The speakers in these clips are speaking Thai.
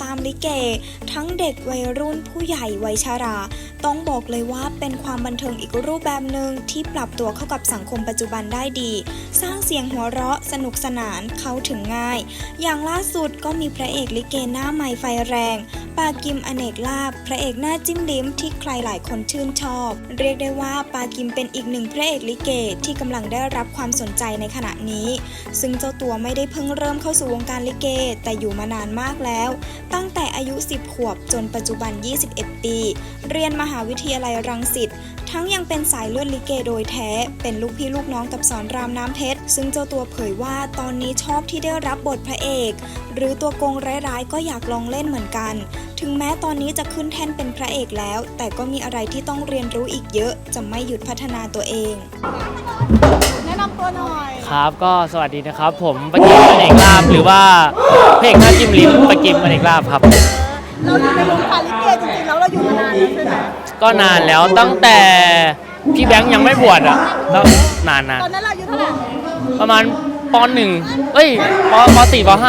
ามลิเกทั้งเด็กวัยรุ่นผู้ใหญ่วัยชราต้องบอกเลยว่าเป็นความบันเทิงอีกรูปแบบหนึ่งที่ปรับตัวเข้ากับสังคมปัจจุบันได้ดีสร้างเสียงหัวเราะสนุกสนานเข้าถึงง่ายอย่างล่าสุดก็มีพระเอกลิเกหน้าใหม่ไฟแรงปากิมอเนกลาภพระเอกหน้าจิ้มลิ้มที่ใครหลายคนชื่นชอบเรียกได้ว่าปากิมเป็นอีกหนึ่งพระเอกลิเกที่กำลังได้รับความสนใจในขณะนี้ซึ่งเจ้าตัวไม่ได้เพิ่งเริ่มเข้าสู่วงการลิเกแต่อยู่มานานมากแล้วตั้งแต่อายุ10 ขวบจนปัจจุบัน21 ปีเรียนมหาวิทยาลัยรังสิตทั้งยังเป็นสายเลือดลิเกโดยแท้เป็นลูกพี่ลูกน้องกับสอนรามน้ำเพชรซึ่งเจ้าตัวเผยว่าตอนนี้ชอบที่ได้รับบทพระเอกหรือตัวโกงร้ายๆก็อยากลองเล่นเหมือนกันถึงแม้ตอนนี้จะขึ้นแท่นเป็นพระเอกแล้วแต่ก็มีอะไรที่ต้องเรียนรู้อีกเยอะจะไม่หยุดพัฒนาตัวเองแนะนำตัวหน่อยครับก็สวัสดีนะครับผมปากิมอเนกลาภหรือว่าพระเอกหน้าจิ้มลิ้มปากิมอเนกลาภครับเราอยู่ในวงการลิเกจริงๆแล้วเราอยู่มานานแล้วใช่ไหมก็นานแล้วตั้งแต่พี่แบงค์ยังไม่บวชอ่ะแล้วนานนะตอนนั้นเราอายุเท่าไหร่ประมาณป .1 ป .4 ป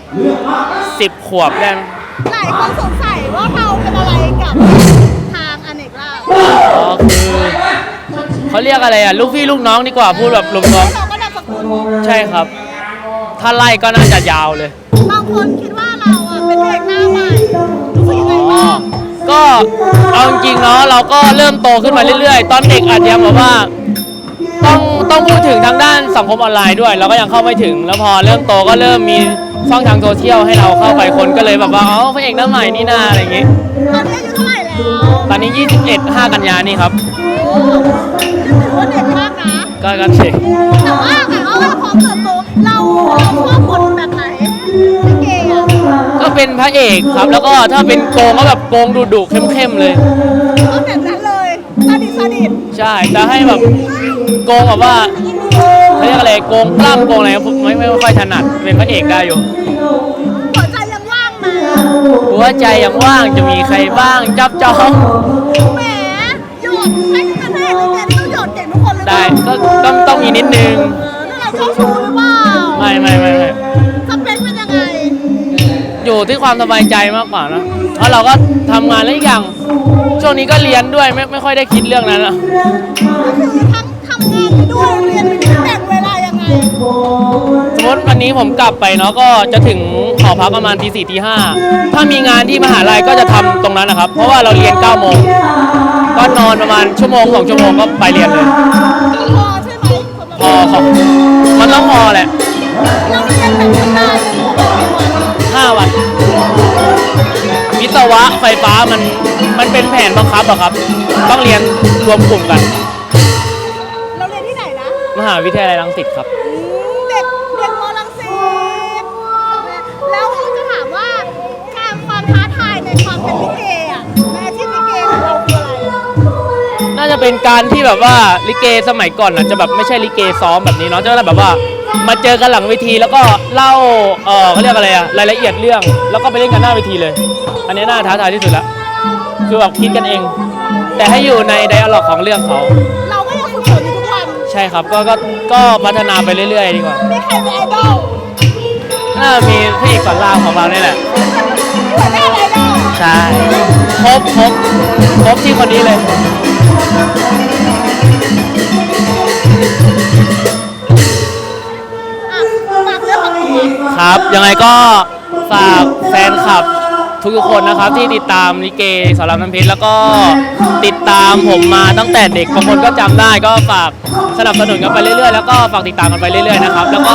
.5 10 ขวบได้หลายคนสงสัยว่าเราเป็นอะไรกับทางอเนกลาภคือเขาเรียกอะไรอ่ะลูกพี่ลูกน้องดีกว่าพูดแบบรวมเราก็นามสกุลใช่ครับถ้าไล่ก็น่าจะยาวเลยบางคนคิดว่าเราอ่ะเป็นเด็กหน้าใหม่รู้สึกยังไงบ้างก็เอาจริงๆเนาะเราก็เริ่มโตขึ้นมาเรื่อยๆตอนเด็กอาจจะแบบว่าต้องพูดถึงทางด้านสังคมออนไลน์ด้วยเราก็ยังเข้าไม่ถึงแล้วพอเริ่มโตก็เริ่มมีช่องทางโซเชียลให้เราเข้าไปคนก็เลยแบบว่าพระเอกหน้าใหม่นี่นาอะไรอย่างงี้ตอนนี้อายุเท่าไหร่แล้วตอนนี้21 5 กันยานี่ครับถือว่าเด็กมากนะก็เด็กแต่ว่าพอเติบโตเราชอบบทแบบไหนลิเกอ่ะก็เป็นพระเอกครับแล้วก็ถ้าเป็นโกงก็แบบโกงดุๆเข้มๆเลยก็แบบนั้นเลยซาดิสใช่แต่ให้แบบโกงแบบว่าเขาเรียกอะไรโกงกล้ามโกงอะไรไม่ค่อยถนัดเป็นพระเอกได้อยู่หัวใจยังว่างไหมหัวใจยังว่างจะมีใครบ้างจับจองแหมหยดให้เป็นพระเอกลิเกต้องหยดเก่งทุกคนเลยได้ก็ต้องมีนิดนึงเราชอบชูหรือเปล่าไม่สเปคเป็นยังไงอยู่ที่ความสบายใจมากกว่านะเพราะเราก็ทำงานแล้วอีกอย่างช่วงนี้ก็เรียนด้วยไม่ค่อยได้คิดเรื่องนั้นอะก็คือทั้งทำงานไปด้วยเรียนไปด้วยแบ่งเวลายังไงสมมติวันนี้ผมกลับไปเนาะก็จะถึงหอพักประมาณตี 4 ตี 5ถ้ามีงานที่มหาลัยก็จะทำตรงนั้นนะครับเพราะว่าเราเรียน 9 โมงก็นอนประมาณชั่วโมง2 ชั่วโมงก็ไปเรียนเลยพอใช่ไหมพอครับมันต้องพอแหละเราเรียนแบบนาน 5 วันวิศวะไฟฟ้ามันเป็นแผนบังคับอะครับต้องเรียนรวมกลุ่มกันเราเรียนที่ไหนนะมหาวิทยาลัยรังสิตครับเด็กม.รังสิตแล้วจะถามว่าความท้าทายในความเป็นลิเกอะในอาชีพลิเกของเราคืออะไรน่าจะเป็นการที่แบบว่าลิเกสมัยก่อนน่ะจะแบบไม่ใช่ลิเกซ้อมแบบนี้เนาะจะแบบว่ามาเจอกันหลังเวทีแล้วก็เล่าเขาเรียกอะไรอะรายละเอียดเรื่องแล้วก็ไปเล่นกันหน้าเวทีเลยอันนี้น่าท้าทายที่สุดละคือแบบคิดกันเองแต่ให้อยู่ในไดอะล็อกของเรื่องเขาเราก็ยังฝึกฝนอยู่ทุกวันใช่ครับก็พัฒนาไปเรื่อยๆดีกว่ามีใครเป็นไอดอลน่ามีพระเอกสอนรามของเราเนี่ยแหละหัวหน้าไอดอลใช่ครบที่คนนี้เลยครับยังไงก็ฝากแฟนคลับทุกคนนะครับที่ติดตามลิเกสอนรามน้ำเพชรแล้วก็ติดตามผมมาตั้งแต่เด็กบางคนก็จำได้ก็ฝากสนับสนุนกันไปเรื่อยๆแล้วก็ฝากติดตามกันไปเรื่อยๆนะครับแล้วก็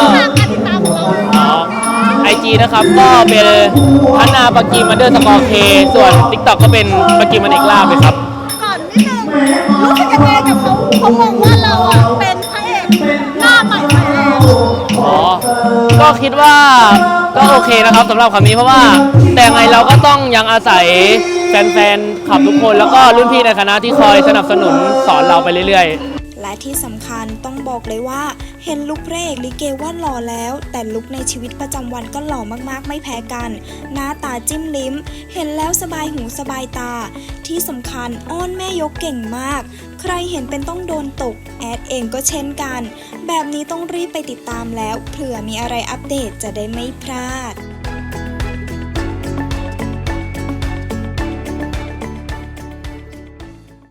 IG นะครับก็เป็นพัฒนาปากิม_k ส่วน TikTok ก็เป็นปากิมอเนกลาภเลยครับก่อนนิดนึงรู้สึกยังไงกับเขามองว่าเราเป็นพระเอกหน้าใหม่ไฟแรงก็คิดว่าก็โอเคนะครับสำหรับคำนี้เพราะว่าแต่ไงเราก็ต้องยังอาศัยแฟนๆขับทุกคนแล้วก็รุ่นพี่ในคณะที่คอยสนับสนุนสอนเราไปเรื่อยๆและที่สำคัญต้องบอกเลยว่าเห็นลุคพระเอกลิเกว่าหล่อแล้วแต่ลุคในชีวิตประจำวันก็หล่อมากๆไม่แพ้กันหน้าตาจิ้มลิ้มเห็นแล้วสบายหูสบายตาที่สำคัญอ้อนแม่ยกเก่งมากใครเห็นเป็นต้องโดนตกแอดเองก็เช่นกันแบบนี้ต้องรีบไปติดตามแล้วเผื่อมีอะไรอัปเดตจะได้ไม่พลาด